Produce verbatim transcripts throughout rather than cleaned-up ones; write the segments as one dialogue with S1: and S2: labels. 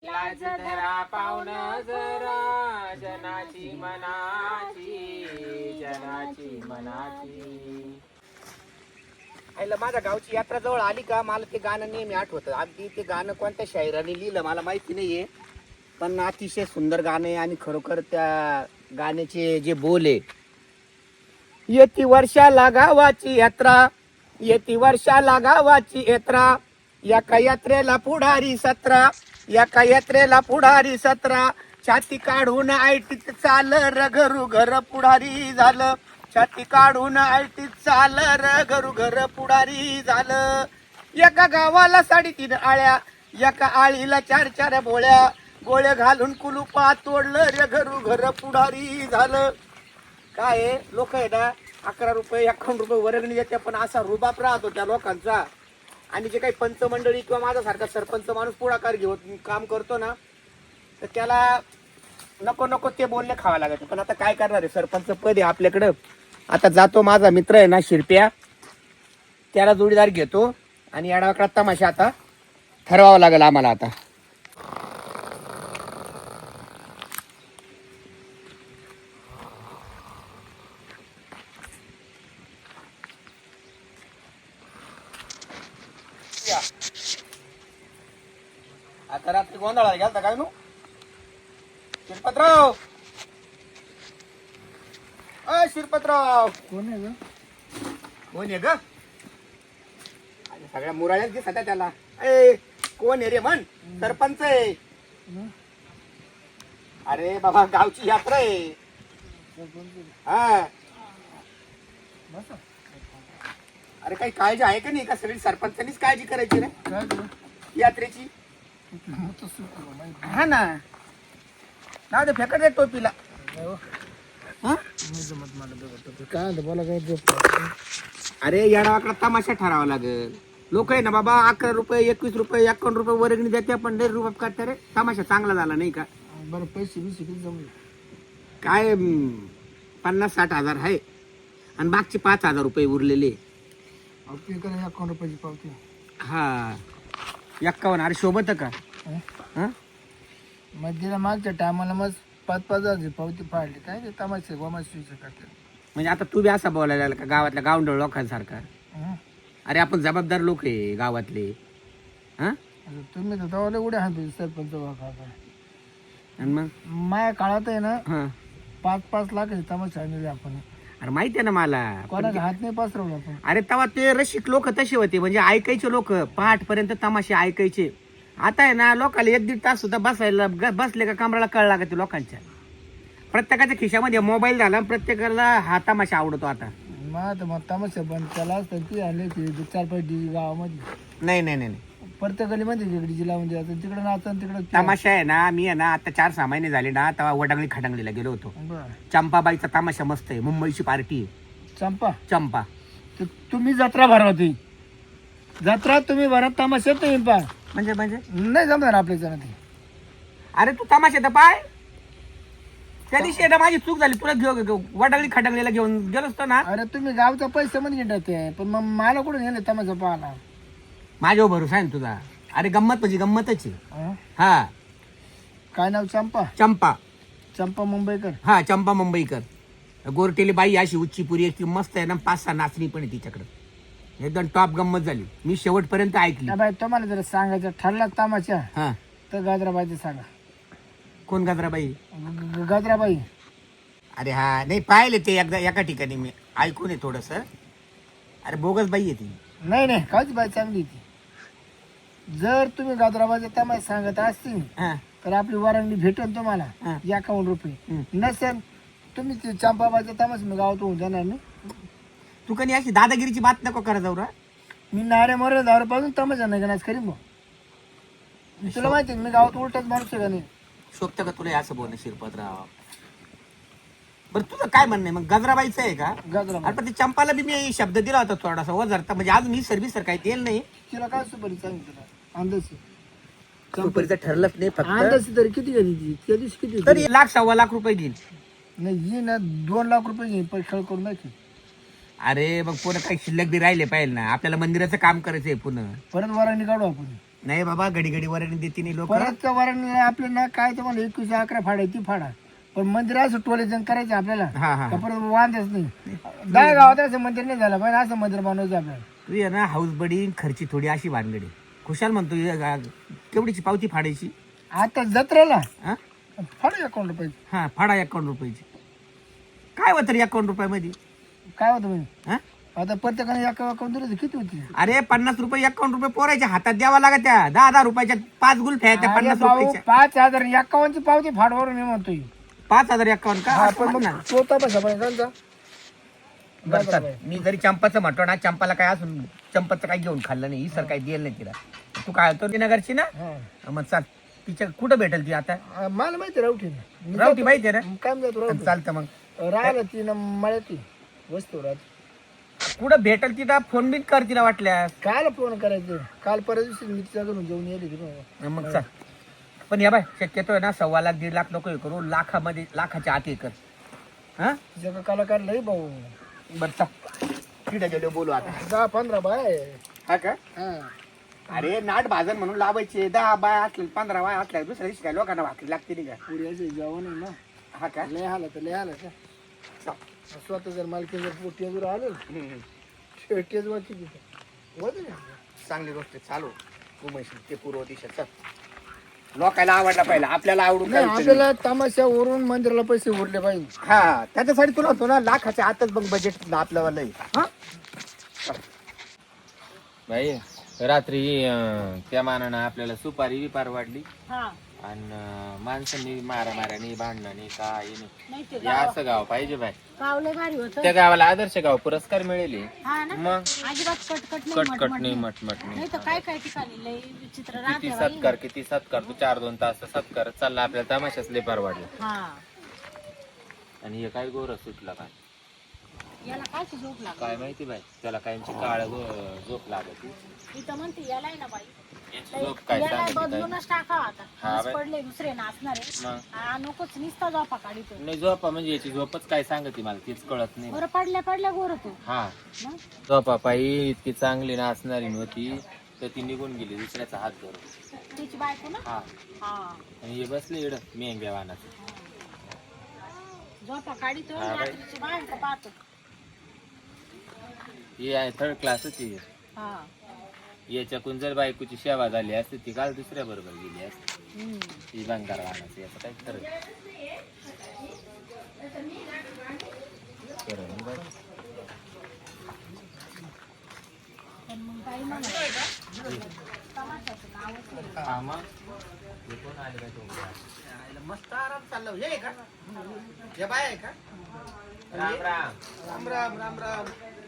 S1: लाज धरा पावन जरा जनाची मनाची जनाची मनाची. आईला माझ्या गावची यात्रा जवळ आली का मला ते गाणं नेहमी आठवतं. अगदी ते गाणं कोणत्या शायराने लिहिलं मला माहिती नाहीये, पण अतिशय सुंदर गाणं आहे. आणि खरोखर त्या गाण्याचे जे बोल आहे, येती वर्षाला गावाची यात्रा, येती वर्षाला गावाची यात्रा, एका यात्रेला पुढारी सतरा, एका यात्रेला पुढारी सतरा, छाती काढून आयटीत चाल र घरू घर पुढारी झालं, छाती काढून आयटीत चाल र घरू घर पुढारी झालं. एका गावाला साडेतीन आळ्या, एका आळीला चार चार बोळ्या, गोळे घालून कुलुपा तोडलं रे घरू घर पुढारी झालं. काय लोक आहे ना, अकरा रुपये एकावन्न रुपये वर्गणी देते, पण असा रुबाब राहतो त्या लोकांचा. आणि जे काही पंच मंडळी किंवा माझ्यासारखा सरपंच माणूस पुढाकार घेऊन काम करतो ना, तर त्याला नको नको ते बोलले खावा लागत. पण आता काय करणार आहे, सरपंच पद आहे आपल्याकडं. आता जातो, माझा मित्र आहे ना शिरप्या, त्याला जोडीदार घेतो आणि याडावाकडा तमाशा आता ठरवावा लागेल आम्हाला. आता आता रात्री गोंधळाला गेलता काय नु शिरपतराव? अ शिरपतराव
S2: कोण आहे ग?
S1: कोण आहे ग? सगळ्या मुराळ्याच दिसत आहे त्याला. ए कोण आहे रे म्हण? सरपंच आहे. अरे बाबा गावची यात्रा आहे. हा अरे काही काळजी आहे का नाही? का सगळी सरपंचांनीच काळजी करायची रे
S2: काय ग?
S1: यात्रेची? हा ना ना ते फेकट रे टोपीला. हा?
S2: काय म्हणतो बोला काय झोप?
S1: अरे येडावाकडा तमाशा ठरावा लागेल. लोक आहे ना बाबा अकरा रुपये एकवीस रुपये एकावन्न रुपये वर्गणी देते, पण लय रुबाब करते रे. तमाशा चांगला झाला नाही का?
S2: बरं पैसे बिसे किती जमले?
S1: काय हम्म, पन्नास साठ हजार आहे आणि मागचे पाच हजार रुपये उरलेले.
S2: आपली करा अकाउंट रुपयाची पावती.
S1: हा एक्कावन्न. अरे शोभत का? हा
S2: मध्येला मागच्या टायमाला मग पाच पाच हजारची पावती फाडली. काय ते तमाशे गोमाशे करते.
S1: म्हणजे आता तू बी असा बोलायला लागला का गावातल्या गावंडळ लोकांसारखा?
S2: हं?
S1: अरे आपण जबाबदार लोक आहे गावातले. हा
S2: आता तुम्ही तर तवाले उड्या हात सरपंच वाका.
S1: आणि मग
S2: माझ्या काळात आहे ना
S1: हा
S2: पाच पाच लाख तमाशा आणले आपण.
S1: अरे माहिती आहे ना मला.
S2: कोणाचा हात नाही पसरवला आपण.
S1: अरे तेव्हा ते रसिक लोक तसे होते, म्हणजे ऐकायचे लोक पहाट पर्यंत तमाशे ऐकायचे. आता आहे ना लोकांना एक दीड तास सुद्धा बसायला ग- बसले का कमराला कळ लागते लोकांच्या. प्रत्येकाच्या खिशामध्ये मोबाईल झाला, प्रत्येकाला हा तमाशा आवडतो आता.
S2: मग तर मग तमाशा बंद केला असता ती आले की चार पाच डी गावामध्ये
S1: नाही नाही नाही नाही.
S2: प्रत्येक गलीमध्ये तिकडे लावून द्यायचं, तिकडे नाचन तिकडे.
S1: तमाशा आहे ना, मी आहे ना आता चार सहा महिने झाले ना, तेव्हा वडांगली खडांगलीला गेलो होतो.
S2: बरं.
S1: चंपाबाईचा तमाशा मस्त आहे, मुंबईची पार्टी आहे.
S2: चंपा
S1: चंपा
S2: तर तुम्ही जत्रा भरा होती. जत्रा तुम्ही भरा, तमाशा तुम्ही पा.
S1: म्हणजे म्हणजे
S2: नाही जमणार आपल्या जण ते.
S1: अरे तू तमाशा तर पाय. त्या दिवशी आहे ना माझी चूक झाली, तुला घेऊ वडांगली खडांगलीला घेऊन गेलो असतो ना.
S2: अरे तुम्ही गावचा पैसे मध्ये घेतात ते, पण मग मला कुठून गेले तमाशा पाहायला?
S1: माझ्यावर भरोसा आहे ना तुझा. अरे गंमत म्हणजे गंमतच आहे.
S2: हं?
S1: हा
S2: काय नाव? चंपा.
S1: चंपा.
S2: चंपा मुंबईकर.
S1: हा चंपा मुंबईकर. गोरटेली बाई अशी उच्ची पुरी एक मस्त आहे ना, पाच सहा नाचणी पण आहे तिच्याकडे. एकदम टॉप गंमत झाली, मी शेवटपर्यंत ऐकली.
S2: बाई तुम्हाला जर सांगायचं ठरला तमाशा
S1: हा
S2: तर गाजराबाईचं सांगा.
S1: कोण गजराबाई?
S2: ग- गाजराबाई.
S1: अरे हा नाही पाहिले ते एकदा एका ठिकाणी मी ऐकून आहे थोडस. अरे बोगस बाई आहे ती.
S2: नाही नाही काच बाई चांगली ती. जर तुम्ही गाजराबाईचा तमाशा सांगत असतील
S1: हा
S2: तर आपली वारंगडी भेटेल तुम्हाला
S1: हा.
S2: एकावन्न रुपये.
S1: हं.
S2: नसेल तुम्ही ते चंपाबाईचा तमाशा मी गावात होऊन जाणार नाही.
S1: तू कधी अशी दादागिरीची बात नको करत जाऊ रा.
S2: मी नारे मोरे दारू पासून तमाशा नाही घेणार करीन भाऊ. मी तुला माहिती आहे, मी गावात उलटच माणूस आहे का नाही.
S1: शोभतं का तुला हे असं बोलणं शिरपतराव? बरं तुझं काय म्हणणं आहे मग? गजराबाईचं आहे का?
S2: गाजराबाई
S1: अरे पण ते चंपाला बी मी शब्द दिला होता थोडासा वजरता, म्हणजे अजून ही सर्व्हिस काही देईल नाही.
S2: तिला काय सुपारी सांगितलं अंदाज
S1: कंपनीचं ठरलंच नाही फक्त.
S2: अंदाज तरी किती गेली ती त्या दिवशी किती होती?
S1: तरी लाख सव्वा लाख रुपये घेईल.
S2: नाही ही ना दोन लाख रुपये घेईन पण खेळ करून दाखी.
S1: अरे मग पुन्हा काही शिल्लक बी राहिले पाहिजे ना, आपल्याला मंदिराचं काम करायचंय पुन्हा.
S2: परत वारांनी काढू आपण.
S1: नाही बाबा घडी घडी वरणी देते नाही लोक.
S2: परत वरण आपलं ना काय तुम्हाला एकवीस अकरा फाडा ती फाडा, पण मंदिर असं टोलेजन करायचं आपल्याला.
S1: हा हा
S2: का परत वांधच नाही. दहा गावात असं मंदिर नाही झालं पण असं मंदिर बनवायचं आपल्याला.
S1: तू ये ना हाऊस बडी खर्ची थोडी अशी भानगडी. खुशाल म्हणतो ये गा- केवढीची पावती फाडायची
S2: आता जत्रेला
S1: हा
S2: फाडू अकाउंट रुपये.
S1: हा फाडा एकावन्न रुपयाची. काय होतं रे एकावन्न रुपयामध्ये
S2: काय होतं म्हणजे
S1: हा?
S2: आता प्रत्येकाने एक अकाउंट दिलं तर किती होती?
S1: अरे पन्नास रुपये एकावन्न रुपये पोरायच्या हातात द्यावा लागत. त्या दहा दहा रुपयाच्या पाच गुल्फ्या त्या
S2: अरे
S1: पन्नास
S2: भाऊ,
S1: रुपयाच्या.
S2: पाच हजार एकावन्नची पावती फाडवर मी म्हणतोय.
S1: पाच हजार एकावन्न का
S2: हा,
S1: असं
S2: पण
S1: म्हण
S2: मग
S1: ना.
S2: तो तपासा पण त्यांचा.
S1: बरं चल. मी जरी चंपाचं म्हणतो ना चंपाला काय असून चंपाचं काही घेऊन खाल्लं नाही सर काही दिलं नाही तिला. तू काय तो नगरची ना
S2: हा.
S1: मग चाल तिच्या कुठं भेटेल ती आता.
S2: आ, मला माहिती रावठी
S1: रावटी माहिती आहे
S2: काय म्हणतो
S1: ना
S2: रावठी
S1: चालतं मग
S2: राहिला ती ना मळ्याती वस्तू राहते.
S1: कुठं भेटेल तिला फोन बिन कर तिला वाटल्यास.
S2: काल फोन करायचं काल परत दिवशी मी तिच्या घरून जेवण येते की
S1: मग चाल. पण या बाय शक्यतो आहे ना सव्वा लाख दीड लाख नको हे करू लाखामध्ये लाखाच्या आत हे कर. हा
S2: तिच्या कलाकार लई भाऊ.
S1: बरं चाल तिथे गेलो बोलू आता.
S2: दहा पंधरा बाय.
S1: हा का
S2: हा
S1: अरे नाट भाजन म्हणून लावायचे. दहा बाय असले पंधरा बाय असल्या दुसऱ्या दिवशी काय लोकांना भाकरी लागते नाही का.
S2: पुऱ्याचे जेवण आहे ना.
S1: हा का
S2: लय आला तर लय आला का
S1: चाल.
S2: स्वतः जर मालकी जर टेजवर आलं
S1: हम्म.
S2: टेजवरची तिथे होते ना.
S1: चांगली गोष्ट आहे. चालू तू म्हणशील ते पूर्व दिशा चल. लोकायला आवडला पाहिजे आपल्याला आवडून
S2: नाही
S1: काय उपयोग
S2: आपल्याला तमाशावरून मंदिराला पैसे उरले पाहिजे.
S1: नाही. हा त्याच्यासाठी तुला होतो ना लाखाच्या आतच बघ बजेट आपल्याला लई. हा
S3: भाई रात्री अं, त्या मानानं आपल्याला सुपारी विपार वाढली
S4: हा
S3: आणि माणसांनी मारा मारानी भांडणानी काय नाही.
S4: नाही ते
S3: हे असं गाव पाहिजे भाई.
S4: गाव लय भारी होत.
S3: त्या गावाला आदर्श गाव पुरस्कार मिळेल.
S4: हा ना
S3: मग
S4: अजिबात कटकट नाही
S3: कटकट
S4: मटमट
S3: नाही
S4: नाही.
S3: मटमट नाही.
S4: नाही तर काय काय ठिकाणी लय विचित्र
S3: किती
S4: राहते बाई.
S3: सत्कार किती सत्कार तू चार दोन तास सत्कार चालला आपल्याला तमाशाच लेपार वाढले.
S4: हा
S3: आणि हे काय गोर सुटला काय
S4: याला काय झोप लागत.
S3: काय माहिती बाई त्याला कायमची काळ झोप लागत.
S4: इथं म्हणते यालाय ना बाई
S3: याची झोप काय
S4: याला
S3: सांगितली काय
S4: बदलूनच टाकावा आता.
S3: हा
S4: आज
S3: बाई.
S4: पडले दुसरे नाचणार आहे.
S3: मग
S4: हा, नकोच निसता झोपा काढितो.
S3: नाही झोपा म्हणजे याची झोपच काय सांगते मला तीच कळत नाही.
S4: बरं पडल्या पडल्या गोर तू
S3: हा
S4: मग
S3: झोपा पायी इतकी चांगली नाचणारी नव्हती तर ती निघून गेली दुसऱ्याचा हात धरून.
S4: तिची बायको ना.
S3: हा
S4: हा
S3: आणि हे बसले इड मेंग्या वाहनाचं.
S4: झोपा काढितो
S3: हा बाई.
S4: रात्रीची बाहेर पाहतो.
S3: ही आहे थर्ड क्लासच आहे.
S4: हा
S3: याच्याकून जर बायकोची सेवा झाली असती ती काल दुसऱ्या बरोबर गेली असती.
S4: हम्म.
S3: ही बंगार वाहनाचं याचं काय खरं नाही. खरं नाही बाई.
S4: पण मग काही म्हणा तमाशाचं नावच नाही.
S3: हा मग. हे कोण आले काय तो?
S1: मस्त आराम चालला. हे का हे बाय आहे का.
S3: राम राम.
S1: राम राम राम राम.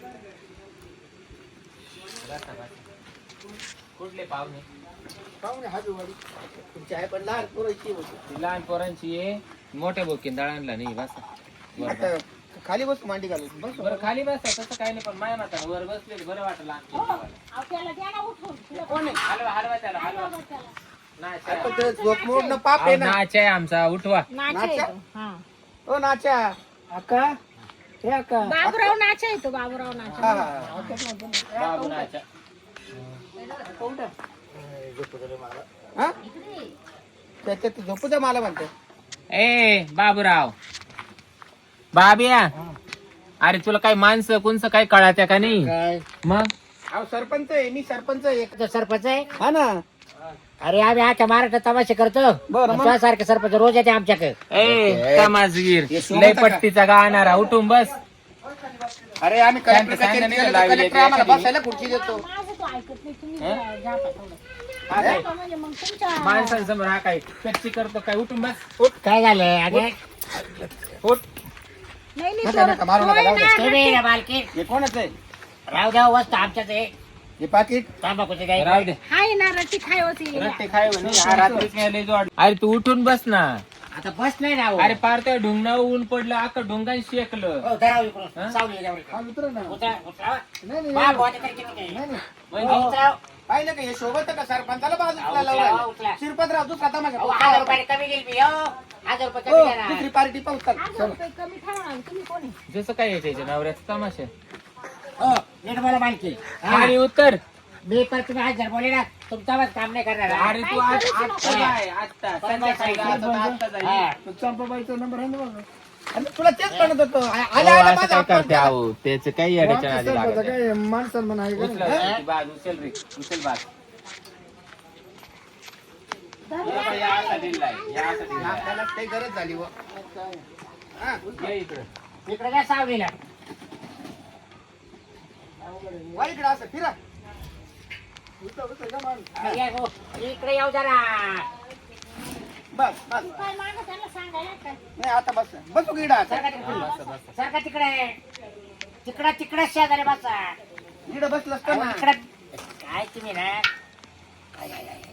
S3: बसा, बसा. कुठले पाहुणे?
S2: पाहुणे हाजूवाडी.
S1: तुमची आहे पण लहान पोरायची होती.
S3: ती लहान पोरांची आहे मोठ्या बोकीन दळणला नाही बसा. बरं
S1: आता
S3: बरं.
S1: खाली बस मांडी घालून बस.
S3: बरं खाली बसा तसं काही नाही पण माया माता वर बसले बरं वाटलं आणखी जेवायला.
S4: अहो, त्याला द्या ना उठून. तुला
S1: कोण आहे.
S3: हलवा हलवा त्याला हलवा.
S4: बघ त्याला.
S3: नाचा आहे.
S1: आता ते झोप मोडणं पाप आहे ना.
S3: नाच आहे आमचा उठवा.
S4: नाचा
S1: नाचा?
S4: येतो. हा.
S1: ओ नाच्या.
S2: अक्का हे अक्का
S4: बाबूराव नाचा येतो बाबूराव नाचा.
S1: हा, हा, हा.
S3: बाबू नाचा.
S1: हा? त्याच्यात झोपू द्या मला म्हणतो.
S3: ए बाबूराव बाबिया अरे तुला काही माणसं कोणचं काय कळात्या का नाही
S2: काय
S3: मग
S1: अहो सरपंच आहे मी सरपंच आहे.
S5: तो सरपंच आहे.
S1: हा ना.
S5: अरे आम्ही आता महाराष्ट्र तमाशे करतो.
S1: बरं, मग?
S5: सारखे सरपंच रोज येते आमच्याकडे.
S3: ए तमासगीर
S1: हे सोबत
S3: लय
S1: का?
S3: पट्टीचा गाणारा उठून बस.
S1: अरे आम्ही
S3: शांत-
S1: कलेक्टर
S3: शांत
S1: कचेरीत
S3: नाही
S1: गेलो तर
S3: लावली
S1: कलेक्टर
S3: आहे
S1: आम्हाला
S3: एखादी.
S1: बसायला खुर्ची देतो.
S4: माझं तो ऐकत नाही. तुम्ही जा- जा पा थोडं.
S1: हा काय?
S4: जा पा म्हणजे मग तुमच्या
S3: माणसांसमोर हा काय कच्ची करतो काय उठून बस.
S5: काय झालं अगे
S1: उठ.
S4: नाही नाही
S1: नका, नका, मारू नका, जाऊ दे.
S5: तुम्ही ना मालकी
S1: हे कोणाच आहे.
S5: राहू द्या वस्तू आमच्याच आहे.
S1: हे पाकिट.
S5: तंबाखूचे काही
S3: राहू दे
S4: हाय ना रट्टी खाय होती.
S3: रट्टे खाय म्हणे. हा रात्रीच नाही लय जोड. अरे तू उठून बस ना.
S5: आता बस नाही राहू.
S3: अरे पार त्या ढुंगणावर ऊन पडलं अख्खं ढुंगान शेकलं.
S5: हो, धराव इकडून.
S3: हा?
S5: सावली याच्यावर.
S2: हा उतरा ना.
S5: उतरा, उतरा.
S2: नाही नाही
S5: बा, बुवा, तरी किती काय?
S2: नाही नाही
S3: म्हणजे
S5: उतरा.
S1: पाहिलं का हे शोभत का सरपंचाला
S5: अहो,
S1: बाजूला
S5: उचला,
S1: लावायला.
S5: उचला.
S1: शिरपतराव तू खाता माझ्या
S5: अहो, हजार रुपयाने कमी गेली मी हो. हजार रुपये
S1: हो,
S5: कमी द्या ना.
S1: दुसरी पार्टी पाहू चल.
S4: हजार रुपये कमी ठरवा. तुम्ही कोणी
S3: जसं काय याच्या नवऱ्याचा तमाशा.
S5: हो, नीट बोला मालकी. हा.
S3: आणि उत्तर
S5: मी पण तुम्ही हजार बोले ना तुमचा काम नाही करणार हा?
S3: अरे तू आज आत्ता जाय आत्ता संध्याकाळी जायचं तर आत्ता जाय.
S5: हा.
S2: तो चंपाबाईचा नंबर आहे ना बघा. आणि तुला तेच म्हणत होतो आ-
S3: हो,
S2: आल्या आल्या
S3: असं
S2: माझा
S3: काय
S2: अपमान
S3: करते
S2: केला.
S3: अहो त्याचं काही अडचण
S2: आमच्या
S3: आधी
S2: सरपंच
S3: लागत
S2: काय माणसाला म्हणा आहे का
S3: उचल
S2: नाही?
S3: ती बाज उचल रे उचल बाज
S4: धर
S3: या
S4: द्या.
S3: या असा दिलाय या असा दिलाय
S2: आपल्याला काही गरज झाली व. हा,
S3: ये इकडं
S5: इकडे काय सावलीला
S2: वा इकडे असं फिरा. उचल, उचल, जा मान.
S5: या गो, इकडे येऊ जरा
S2: बस बस
S4: तू काय मागं त्यांना सांगायला काय?
S2: नाही आता बस बसू की इकडं आता.
S5: सारखा तिकडे सारखा तिकडे तिकडे तिकडे शेजारी बसा
S2: इकडं बसलं असतं ना.
S5: इकडे काय तुम्ही ना काय काय काय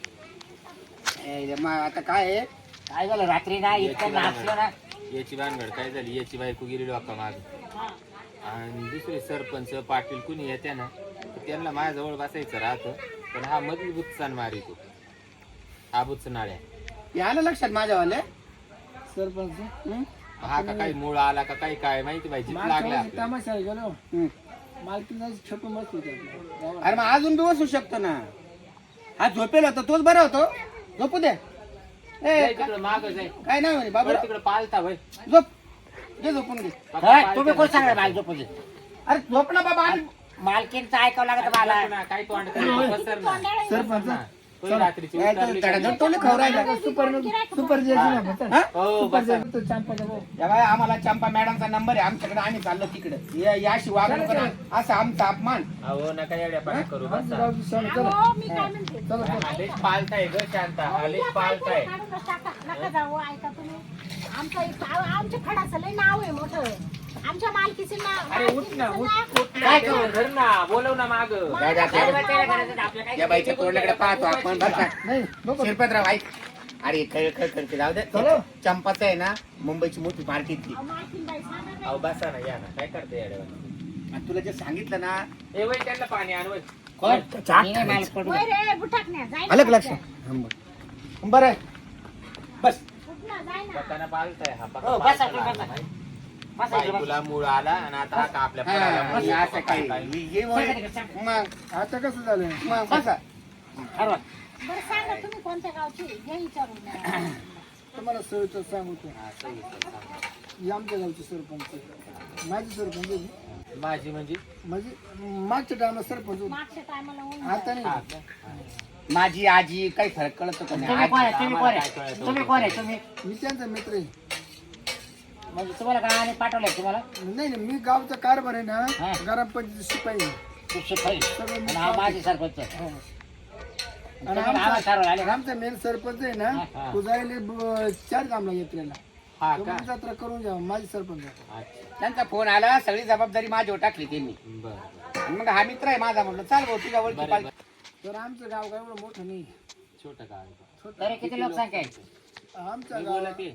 S2: ए, मग आता काय आहे?
S5: काय झालं रात्री ना इतकं नाचलो ना
S3: याची भानगड काय झाली याची बायको गेली डोका माग
S4: हा.
S3: आणि दुसरे सरपंच पाटील कुणी येत्या ना तर त्यांना माझ्याजवळ बसायचं राहतं पण हा मधली बुत्सान मारितो हा बुत्स नाळ्या
S2: हे आलं लक्षात माझ्यावाले सरपंच हं?
S3: हा का काही मूळ आला का काही काय माहिती पाहिजे लागला
S2: मागच्या वेळेस
S3: आपल्याला.
S2: तमाशा गेलो मालकीला छपून बसलो होतो. अरे मग अजून बी बसू शकतो ना. हा झोपेल होता तोच बरा होतो. झोपू दे. ए
S3: जाय तिकडं मागं जाय
S2: काय नाही म्हणे बाबा
S3: बरं तिकडं पालता भाई
S2: झोप घे झोपून घे.
S5: तुम्ही कोण सांगणार मला झोपून
S2: अरे झोप ना बाबा आम्ही-
S5: मालकीनचं ऐकावं लागत मला
S3: काही तोंड पसर ना
S2: सरपंच
S3: कोणी रात्रीची
S2: काय तो
S3: उतरली का
S2: तडजोड
S3: नाही?
S2: टोले खाऊ राहिला. सुपर सुपर जे आहे ना बसा. हा?
S3: हो
S2: सुपर
S3: बसा
S2: जे तो चंपाचा भाऊ. या बाई आम्हाला चंपा मॅडमचा नंबर आहे आमच्याकडे आम्ही चाललो तिकडे या- याशी वागणूक करा असा आमचा अपमान.
S3: अहो नका येड्यापाड्या करू
S2: आमचं
S3: बसा
S2: गावचं सण, चला.
S4: अहो, मी काय म्हणते
S2: चला, चला.
S3: आलेच पालताय ग शांता आलेच पालताय
S4: काढूनच टाका. नका जाऊ ऐका तुम्ही आमचं एक- आ- आमच्या खडाचं लय नाव आहे मोठं आमच्या मालकीचं नाव
S3: अरे उठ ना उठ
S4: मालकीचं
S3: उठ ना ते धर ना बोलव ना माग
S2: जा, जा, जा. या बाईच्या तोंडाकडे पाहतो आपण बरं का? नाही नको. शिरपतराव ऐक अरे खळ खळ करते जाऊ दे चलो. चंपाचं आहे ना मुंबईची मोठी पार्टी ती
S4: नाव. मालकीन बाई सांगा काय?
S3: अहो बसा ना या ना काय करते येड्यावानी
S2: आणि तुला जे सांगितलं ना
S3: ए वय त्यांना पाणी आणवय
S5: कोण
S2: चाट
S5: मी नाही माल पडू
S4: होय रे बुटाकण्या जाय ना
S2: अलग लक्ष
S4: पटकन.
S2: बरं आहे. बस
S4: उठ ना, जाय ना.
S3: पकाना पालताय हा
S5: हो,
S3: पका
S5: बसा,
S3: पालताला
S5: बसा.
S3: आला नाही.
S5: बसा इकडे, बसा.
S3: बायकोला मूळ आला आणि आता हा का आपल्या
S2: हा,
S3: पोराला मूळ
S2: आणि
S3: येतो
S2: असं
S3: का
S2: काही
S3: काय?
S2: हे वय- मग
S6: आता कसं झालं
S2: मग बसा
S5: ठरवा.
S4: बरं सांगा तुम्ही कोणत्या गावची घे विचारून
S6: तुम्हाला सविस्तर सांगतो
S3: हा, सही, सही, सांगा.
S6: ही आमच्या गावचे सरपंच माझे सरपंच आहे.
S3: माझी म्हणजे
S6: म्हणजे मागच्या टायमा सरपंच होते.
S4: मागच्या टायमाला ऊन
S6: आता
S3: हा
S6: नाही
S3: का? हा.
S2: माझी आजी काही फरक कळत का नाही
S5: तुम्ही कोण आहे
S2: आजी-
S5: तुम्ही कोण आहे तुम्ही कोण आहे तुम्ही
S6: मी त्यांचा मित्र आहे.
S5: म्हणजे तुम्हाला गावाने पाठवलंय तुम्हाला
S6: नाही नाही मी गावचा कारभार आहे
S5: हा.
S6: ना ग्रामपंचायत शिपाई आहे.
S5: तू शिपाई
S6: सगळं मी
S5: आणि हा माझी सरपंच
S6: हो.
S5: तुम्ही
S6: आणि
S5: आम्हाला ठरवलं आले
S6: आमचा
S5: का?
S6: आमचा मेन सरपंच आहे ना
S3: हा.
S6: तो जायले ब- चार कामला यात्रेला
S3: हा
S6: तो
S3: का
S6: पण जत्रा करून जावा माझी सरपंच आहे.
S3: अच्छा
S2: त्यांचा फोन आला सगळी जबाबदारी माझ्यावर टाकली त्यांनी
S3: बरं
S2: आणि मग हा मित्र आहे माझा म्हटलं चाल भाऊ तुझ्या ओळखी
S3: बरं
S2: पाहिजे
S3: बरं
S6: तर आमचं गाव काय एवढं मोठं नाही
S3: छोटं गाव आहे.
S5: तरी किती लोकसंख्या आहे
S6: आमचं
S3: मी
S6: गाव
S3: बोलत आहे.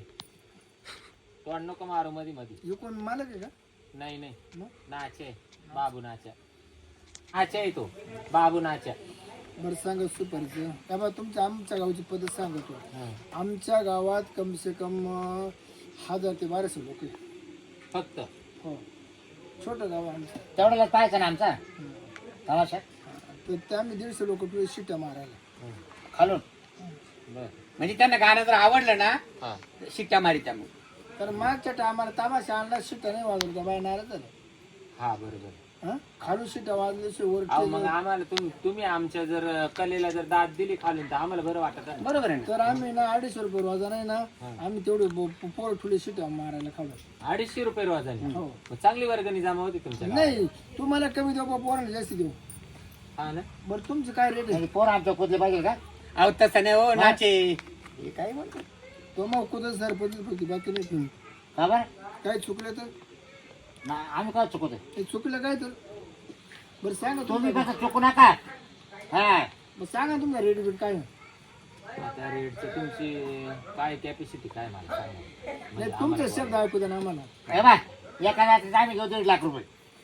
S3: तोंड नको मारू मध्ये मध्ये
S6: एकूण मालक आहे का
S3: नाही नाही
S6: मग?
S3: नाचे बाबू नाच्या आच्या आहे तो बाबू नाच्या
S6: बरं सांगा सुपारीचं त्यामुळे तुमच्या आमच्या गावची पद्धत सांगतो
S3: हा.
S6: आमच्या गावात कम से कम अं, हजार ते बाराशे लोक आहे.
S3: फक्त
S6: हो छोटं गाव आहे आमचं
S5: तेवढ्याला पाहायचं ना आमचा तमाशा
S6: तर ते आम्ही दीडशे लोक तुला शिट्या मारायला
S5: खालून
S3: बर
S2: म्हणजे त्यांना गाणं जर आवडलं ना
S3: हा
S2: शिट्ट्या मारी त्या मग
S6: तर मागच्या टायमाला तामाशा आणला शिट्या नाही वाजवत त्या बाई नाराज झालं
S3: हा बरोबर
S6: हा खालून शिट्या वाजल्याशिवाय वर
S3: अहो मग
S6: टेजवर-
S3: आम्हाला तुम्ही तुम्ही आमच्या जर कलेला जर दाद दिली खालून तर आम्हाला बरं वाटत ना
S2: बरोबर आहे ना
S6: तर आम्ही ना अडीचशे रुपये वाजा नाही ना आम्ही तेवढे ब- पोर ठुले शिट्या मारायला खालून
S3: अडीचशे रुपये रोज झाले
S6: हो
S3: मग चांगली वर्गणी जमा होती तुमच्या गावात.
S6: नाही तुम्हाला कमी देऊ बा पोरांना जास्त देऊ
S3: हा ना
S6: बरं तुमचं काय रेट आहे
S5: म्हणजे पोर आमच्या कुदले पाहिजे का
S2: अहो तसं नाही हो नाचे हे काय म्हणतो
S6: तो मग कुठं सरपंच होती बाकी नाही तुम्ही
S5: का बरं
S6: काय चुकलं तर
S5: ना आम्ही काय चुकतोय
S6: ते चुकलं काय तर बरं सांगा
S5: तुम्ही
S6: तुम्ही
S5: कसं चुकू नका हा
S6: मग सांगा तुमचा रेट बीट काय आहे?
S3: त्या रेटची तुमची काय कॅपॅसिटी काय मला सांगा म्हणजे
S6: नाही तुमचा शब्द ऐकू द्या ना आम्हाला
S5: हे बा एका रात्रीत आम्ही घेऊ दीड लाख रुपये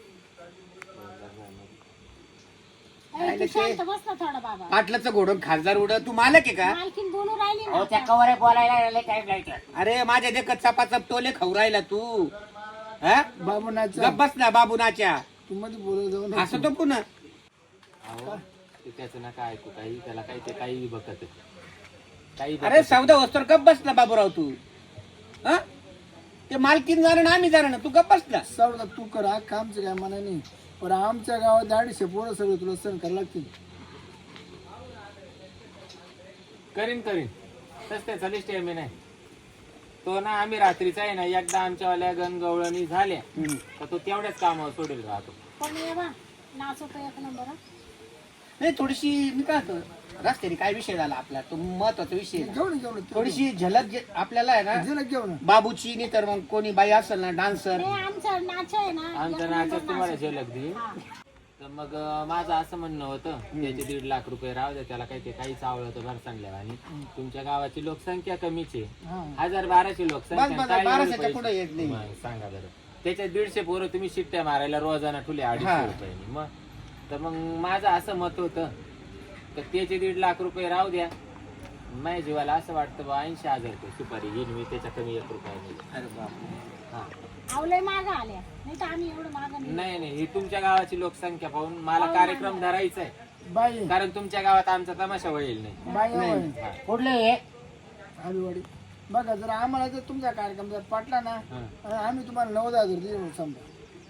S4: ए, तू शांत बस ना थोडा बाबा
S2: पाटलाचं घोडं खासदार उड तू मालक आहे का
S4: मालकीन बोलून राहिली
S5: अहो
S4: ना
S5: त्या कवर बोलायला टाइम लागतो
S2: अरे माझ्या देखत चपाचप टोले खाऊ राहिला तू हा
S6: बाबू नाचा
S2: गप बस ना बाबू नाच्या
S6: तू मध्ये बोलत जाऊ ना
S2: असं तो पुन्हा
S3: अहो ते त्याचं नका ऐकू काही, त्याला काही ते काही बघत आहे. काही
S2: अरे
S3: बघत
S2: सौदा वस्तर गप बसला बाबूराव तू. हा ते मालकीन जाणं ना आम्ही जाणं ना, तू गप बसला.
S6: सावडा तू कर हा कामचं काय म्हणा नाही, पण आमच्या गावात अडीचशे पोरं सगळं तुला सण करायला लागतील.
S3: करीन करीन तस त्याचा लिस्ट आहे मी नाही तो ना. आम्ही रात्रीचा आहे ना एकदा आमच्यावाल्या गणगवळणी झाल्या तर तो तेवढ्याच कामावर सोडेल राहतो.
S4: पण ये बा नाचवतो एक नंबर हं.
S2: नाही थोडीशी मी काय होतं रस्त्याने काय विषय झाला आपला, तो महत्वाचा विषय आहे.
S6: घेऊन घेऊन
S2: थोडीशी झलक जे- आपल्याला आहे ना
S6: झलक घेऊन
S2: बाबूची नाही तर मग कोणी बाई असेल ना डान्सर.
S4: हे आमचं नाच आहे ना
S3: आमच्या
S4: एक
S3: नाचात
S4: नंबर
S3: तुम्हाला
S4: नाच.
S3: झलक देईल.
S4: हा.
S3: तर मग अं, माझं असं म्हणणं होतं त्याचे दीड लाख रुपये राहू द्या, त्याला काही ते काहीच आवडतं भरसांडल्या आणि तुमच्या गावाची लोकसंख्या कमीच आहे.
S6: हा.
S3: हजार बाराशे
S2: बस
S3: लोकसंख्या
S2: बस
S3: काय एवढे
S2: बाराशेच्या
S3: पैसे?
S2: पुढे येत नाही.
S3: मग सांगा बरं, त्याच्यात दीडशे पोरं तुम्ही शिट्ट्या मारायला रोजाना ठुले
S2: हा.
S3: अडीचशे रुपयांनी. मग तर मग माझं असं मत होतं तर त्याचे दीड लाख रुपये राहू द्या. माझ्या जीवाला असं वाटतं बा ऐंशी हजार रुपये सुपारी घेईन मी, त्याच्या कमी एक रुपया नाही.
S2: अरे बाप.
S3: हा
S4: आवलय मागं आल्या नाही तर आम्ही एवढं मागं नाही.
S3: नाही नाही ही तुमच्या गावाची लोकसंख्या पाहून मला कार्यक्रम धरायचा आहे,
S6: बाई
S3: कारण तुमच्या गावात आमचा तमाशा होईल नाही.
S6: बाई
S2: नाही.
S6: बाई.
S5: कुठले हे
S6: आलूवाडी बघा, जर आम्हाला जर तुमचा कार्यक्रम जर पटला ना,
S3: हा.
S6: आम्ही तुम्हाला नव्वद हजार देऊ समजा.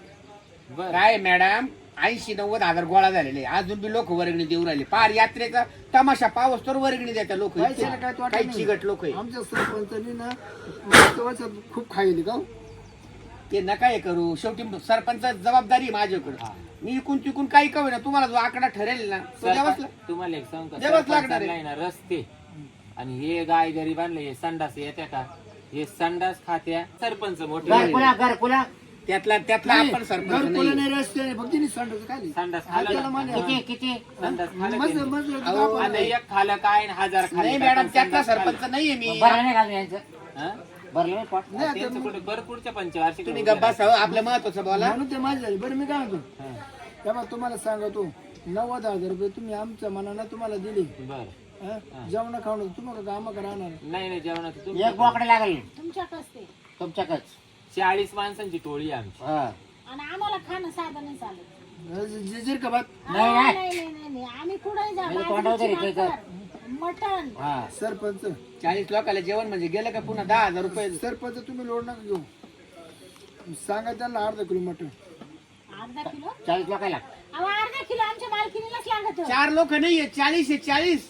S3: बरं
S2: काय मॅडम ऐंशी नव्वद हजार गोळा झालेले अजून बी लोक वर्गणी देऊ राहिले. पार यात्रेचा तमाशा पावस तर वर्गणी देतात लोक.
S6: पैशाला काय तोटा
S2: काही
S6: नाही.
S2: चिगट लोक आहे
S6: आमच्या सरपंचांनी ना मागच्या वर्षात खूप खायली का हो?
S2: ते नका हे करू. शेवटी सरपंच जबाबदारी आहे माझ्याकडे. मी इकून तिकून काही करू ना, तुम्हाला जो आकडा ठरेल ना तो द्यावाच लाग-
S3: तुम्हाला एक सांग
S2: द्यावंच लागणार आहे.
S3: ना रस्ते आणि हे गाय गरीबांना हे संडास येत्या का, हे संडास खात्या सरपंच मोठे
S5: घरकुला घरकुला
S2: त्यातला त्यातला
S6: नाही,
S2: आपण सरपंच
S6: घरकुलं
S2: नाही.
S6: नाही, रस्ते नाही, फक्त निसंडाचं खाली.
S3: संडास
S6: हा,
S3: खाल्लं
S6: त्याला
S3: ना?
S6: मान्य
S5: किती
S6: आहे.
S5: किती
S3: संडास खाल्लं
S6: मस्त
S3: त्यांनी.
S6: मस्त
S2: अहो,
S6: आपण-
S3: आता एक खालं काय आणि हजार खाल्ले
S2: नाही
S3: काय,
S2: मॅडम
S3: पण
S2: त्यातला
S3: संडास खाल्लं.
S2: सरपंच नाहीये मी.
S5: भरलं नाही घालून यांचं
S3: हा?
S5: भरलं नाही पोट.
S6: नाही, आता
S3: त्यांचं कुठे बरं पुढच्या पंचवार्षिक
S2: तुम्ही गप्पा सह आपलं महत्वाचं बोला.
S6: म्हणून ते माझे झाले. बरं मी काय म्हणतो, तेव्हा तुम्हाला सांगतो नव्वद हजार रुपये तुम्ही आमच्या मनानं तुम्हाला दिले.
S3: बर
S6: हा? जेवण खावणं तुम्हाला काम राहणार.
S3: नाही नाही जेवणाचं
S5: एक
S3: तुम्ही
S5: बोकडे लागेल
S4: तुमच्याकडे ते
S5: तुमच्याकडे.
S3: चाळीस माणसांची टोळी आहे आमची.
S5: हा.
S4: आणि आम्हाला खाणं साधं नाही चालत.
S6: जिजीर का बात
S5: नाही,
S4: हा,
S5: नाही.
S4: नाही नाही नाही आम्ही कुठे जा
S5: म्हणजे तोंडावर तरी काही कर.
S4: मटण
S5: हा.
S6: सरपंच
S2: चाळीस लोकांना जेवण म्हणजे गेलं का पुन्हा दहा हजार रुपये.
S6: सरपंच तुम्ही लोड नका घेऊ. सांगा त्यांना अर्धा किलो मटण.
S4: अर्धा किलो
S5: चाळीस लोकायला
S4: अहो अर्धा किलो आमच्या मालकीनीलाच लागत.
S2: चार लोक नाहीये, चाळीस आहे चाळीस.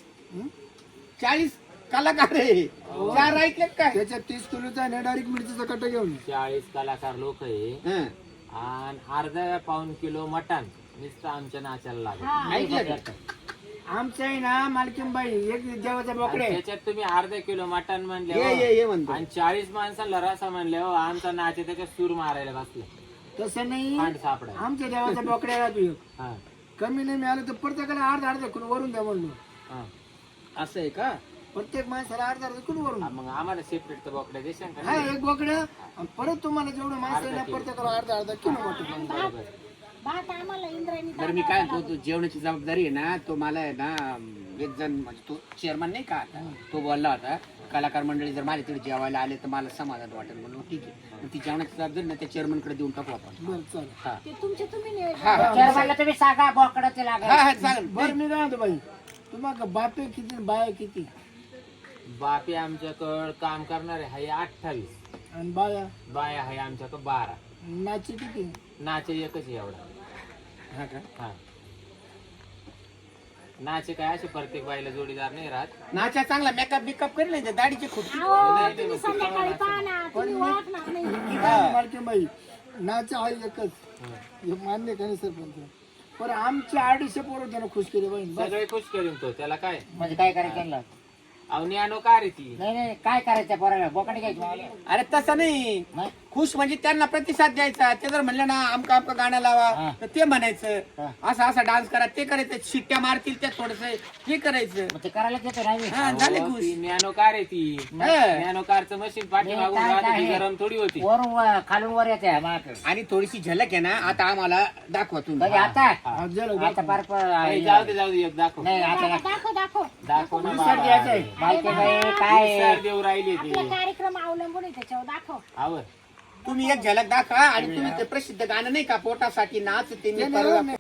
S2: चाळीस कलाकार आहे. चार ऐकले काय.
S6: त्याच्यात तीस किलोचा आहे डायरेक्ट मिरचीचा कट्टा घेऊन.
S3: चाळीस कलाकार लोक आहे
S2: हं.
S3: आणि अर्धा पाऊन किलो मटण नुसतं आमच्या नाचायला लागेल.
S4: हा
S2: ऐकलं का?
S6: आमचं आहे ना मालकीनबाई एक देवाचा
S3: आणि
S6: बोकडे.
S3: त्याच्यात तुम्ही अर्धा किलो मटण
S2: ये
S3: म्हणले
S2: ये ये म्हणतो.
S3: आणि चाळीस माणसाला रसा म्हणले हो आमचा नाच आहे, त्याच्यात सूर मारायला बसले
S6: तसं नाही,
S3: खांड सापडा.
S6: आमच्या देवाचा बोकडे राहतो एक.
S3: हा
S6: कमी नाही मिळालं तर प्रत्येकाला अर्धा अर्धा किलो वरून द्या म्हणलो.
S3: हा.
S2: असं आहे का.
S6: प्रत्येक माणसाला अर्धा अर्धा किलो वरून.
S3: हा, मग आम्हाला सेपरेट तर बोकड्या देशाल का
S6: हा
S3: नाही?
S6: एक बोकडे आणि परत तुम्हाला जेवढं माणसं आहे ना प्रत्येकाला अर्धा अर्धा किलो मटण.
S3: बरोबर.
S4: भात आम्हाला इंद्रायणी
S2: बरं मी काय म्हणतो, तो जेवणाची जबाबदारी आहे ना, तो मला आहे ना एक जण म्हणजे तो चेअरमन नाही का आता, तो बोलला होता कलाकार मंडळी जर माझ्या तिथे जेवायला आले तर मला समाधान वाटेल म्हणून. ठीक आहे, पण ती जेवणाची जबाबदारी ना त्या चेअरमन कडे देऊन टाकू आपण.
S6: बरं चालेल.
S2: हा
S4: ते तुमचे तुम्ही नियोजन
S2: हा हा.
S5: चेअरमनला तुम्ही सांगा बोकडं ते लागेल.
S2: हा हा चालेल.
S6: बरं मी काय म्हणतो बाई, तुम्हाला बापे किती बाय किती
S3: बापी आमच्याकडं काम करणारे आहे अठ्ठावीस,
S6: आणि बाया
S3: बाया आहे आमच्याकडं बारा,
S6: नाची किती.
S3: नाचे एकच आहे एवढा.
S2: हा का.
S3: हा नाचे काय असे प्रत्येक बाईला जोडीदार नाही राहत.
S2: नाचा चांगला मेकअप बिकअप करेल नाही दाढीची खुर्ची.
S4: अहो तुम्ही संध्याकाळी पाहा ना तुम्ही ओळखणार नाही.
S6: मालकीनबाई नाच आहे एकच, हे मान्य का नाही सरपंच. पण आमचे अडीचशे पोरं त्यानं खुश केले बाई. बस.
S3: सगळे खुश करून तो त्याला काय
S5: म्हणजे काय करायचं त्यांना?
S3: अहो न्यानो का रे ती.
S5: नाही नाही काय करायचं पोराला बोकडे घ्यायची मावाले?
S2: अरे तसं नाही,
S5: नाही?
S2: खुश म्हणजे त्यांना प्रतिसाद द्यायचा. ते जर म्हणलं ना आमका आमका गाणं लावा
S5: हा.
S2: तर ते म्हणायचं,
S5: हा.
S2: असं असं डान्स करा ते करायचं, शिट्ट्या मारतील त्या थोडस हे करायचं.
S5: मग ते करायला देतो नाही मी.
S2: हा झाले
S3: अहो,
S2: खुश.
S3: ती न्यानो कार आहे ती.
S2: हा.
S3: न्यानो कारचं मशीन पाठीमागून
S5: काय-
S3: राहत
S5: काय
S3: होती,
S5: आहे?
S3: गरम थोडी होती.
S5: वरून वर- खालून वर येते माझ्याकडे.
S2: आणि थोडीशी झलक आहे ना आता आम्हाला दाखवा तुम्ही.
S5: कधी आता
S6: हा, झालं,
S5: आता
S6: दाखव.
S5: पार प-
S3: ए, जाऊ दे जाऊ दे एक दाखव.
S5: नाही आता नाही.
S4: दाखव दाखव
S3: दाखव ना
S6: विसर द्यायचं आहे.
S5: माहिती बाई काय
S3: विसर देऊ राहिली
S4: आपला
S3: ती.
S4: कार्यक्रम अवलंबून आहे त्याच्यावर दाखव.
S3: आवर
S2: तुम्ही एक झलक दाखवा आणि तुम्ही ते प्रसिद्ध गाणं नाही का पोटासाठी नाच ते मी
S6: नाही,
S2: परवा-
S6: नाही,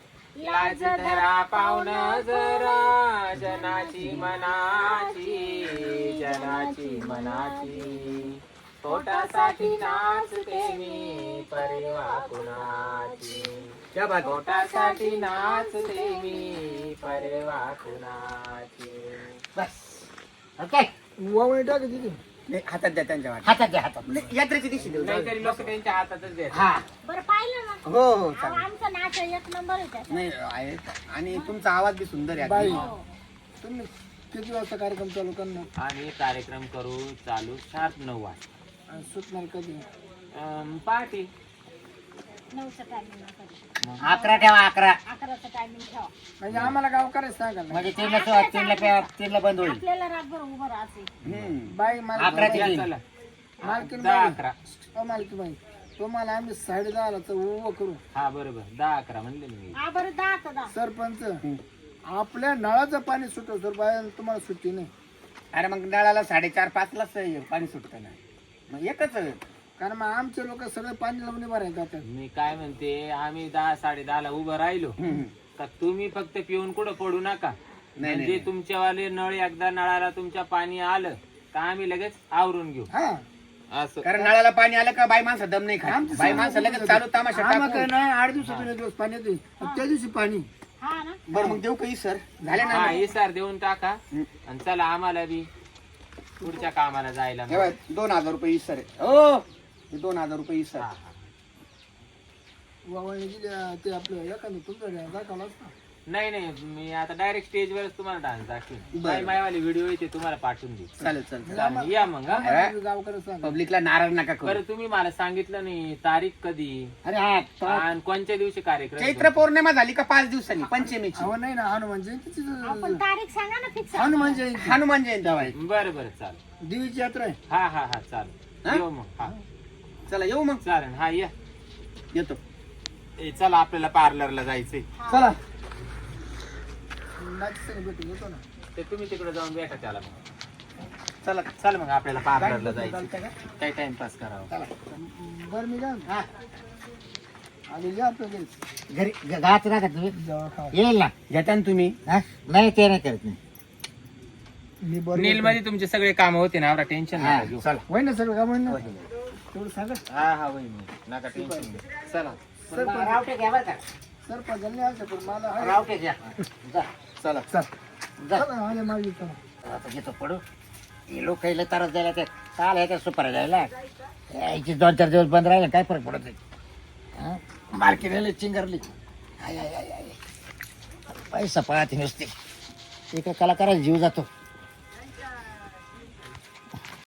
S1: लाज धरा पाहुण जरा जनाची मनाची जनाची मनाची पोटासाठी नाचते मी परिवा कुणाची
S2: क्या बात
S1: पोटासाठी नाचते मी परिवा कुणाची
S5: बस ओके
S6: वावणी टाक तिथे
S2: नाही, हातात द्या त्यांच्या वाट्या.
S5: हातात द्या हातात
S2: नाही, यात्रेची दिवशी देऊ जाऊ दे.
S1: नाहीतरी लोक त्यांच्या हातातच देतात
S5: हा
S4: बरं पाहिलं ना
S2: हो हो
S4: अहो,
S2: चालेल
S4: आमचं नाच एक नंबर आहे त्याचा.
S2: नाही आहे आणि तुमचा आवाज बी सुंदर आहे
S6: बाई
S2: अगदी.
S6: तुम्ही किती वाजता कार्यक्रम चालू करणार
S3: आणि कार्यक्रम करू चालू शार्प नऊ वाजता
S6: आणि सुटणार कधी
S3: अं, पार्टी
S4: नऊचं टायमिंग
S5: अकरा ठेवा अकरा
S4: अकराचं टायमिंग ठेवा
S6: म्हणजे आम्हाला गावकरच सांगा ना.
S5: म्हणजे तीनला सुरुवात, तीनला पे- तीनला बंद होईल
S4: आपल्याला रातभर उभं राहायचं
S2: हम्म.
S6: बाई मला
S5: अकरा ते
S3: या,
S5: तीन.
S3: चला
S6: मालकीन
S3: दहा
S6: बाई
S3: अकरा
S6: ओ मालकी बाई तुम्हाला आम्ही साडे दहाला तर उभं करू
S3: हा बरोबर दहा अकरा म्हणले ना मी
S4: हा बरं दहा तर दहा
S6: सरपंच आपल्या नळाचं पाणी सुटव सर बाई तुम्हाला सुट्टी नाही
S2: अरे मग नळाला साडेचार पाच लाच पाणी सुटतं ना मग एकच
S6: कारण मग आमचे लोक सगळे पाणी लावून भरायला जातात
S3: मी काय म्हणते आम्ही दहा साडे दहाला उभं राहिलो का तुम्ही फक्त पिऊन कुठं पडू नका
S2: नाही,
S3: म्हणजे तुमच्यावाले नळ एकदा नळाला तुमच्या पाणी आलं का आम्ही लगेच आवरून घेऊ
S6: हा
S3: असं
S2: कारण नळाला पाणी आलं का बाई माणसं दम नाही खात
S6: आमचं
S2: बाई
S6: सगळं
S2: माणसं लगेच चालू तमाशा
S6: आम्हाला काय
S2: टाकून.
S6: नाही आठ दिवसातून एक दिवस पाणी येते त्या दिवशी पाणी
S4: हा ना
S2: बरं मग देऊ काही सर झाले ना
S3: हा इसार देऊन टाका आणि चला आम्हाला बी पुढच्या कामाला जायला
S2: हे बघ, दोन हजार रुपये सर हो हे दोन हजार रुपये सर
S3: हा, हा.
S6: वावणी गेल्या ते आपलं एखादं तुमचं दाखवलं असतं
S3: नाही नाही मी आता डायरेक्ट स्टेजवरच तुम्हाला डान्स दाखवेन
S2: बरं.
S3: बाई मायवाली व्हिडिओ येते तुम्हाला पाठवून दे
S2: चालेल चालेल
S3: चालेल, या मग हा.
S2: अरे.
S6: गावकरच सांगा
S2: पब्लिकला नाराज नका करू
S3: बरं तुम्ही मला सांगितलं नाही तारीख कधी
S5: अरे हा तो-
S3: आणि कोणत्या दिवशी कार्यक्रम
S2: चैत्र पौर्णिमा झाली का पाच दिवसांनी पंचमीची
S6: अहो नाही ना हनुमान जयंतीची
S4: आपण तारीख सांगा ना फिक्स
S6: हनुमान जयंती
S2: हनुमान जयंती आहे.
S3: बरं बरं चालेल
S6: देवीची यात्रा आहे
S3: हा हा हा चालेल
S2: हा?
S3: येऊ मग हा
S2: चला येऊ मग
S3: चालेल हा या
S2: येतो
S3: ए, चला आपल्याला पार्लरला जायचंय
S6: चला माझी सगळं भेटून येतो ना
S3: ते तुम्ही तिकडे जाऊन भेटा त्याला मग
S2: चला
S3: चल मग आपल्याला पार्लरला जायचं
S6: चालतंय का?
S3: काही टाइमपास करावं
S6: चला बरं मी काय
S5: हा.
S6: आणि या आपलं घरी
S5: घरी ग- गावात राहतात तुम्ही
S6: जेव्हा खावा
S5: येईल ना
S2: घेता ना तुम्ही
S5: हा? नाही ते नाही करत नाही
S6: मी बरोबर
S3: नील मध्ये तुमचे सगळे काम होते ना एवढा टेन्शन
S5: हा,
S3: नका घेऊ
S5: चला
S6: होय ना सगळं काम होईल ना तेवढं सांगा
S3: हा हा होईल नका टेन्शन घेऊ चला
S6: सरपंच
S5: रावटे घ्या बरं का
S6: सरपंचांनी आलं पण मला आहे.
S5: रावटे घ्या जा
S2: चला
S6: चल
S5: जा
S6: चला आले माझी चला
S5: आता घेतो पडू हे लोक काही त्रास द्यायला ते काल आहे त्या सुपारी द्यायला यायची दोन चार दिवस बंद राहिले काय फरक पडत नाही मार्केट चिंगरली आय, आय, आय, आय. पैसा पाहते नुसते एका कलाकाराचा जीव जातो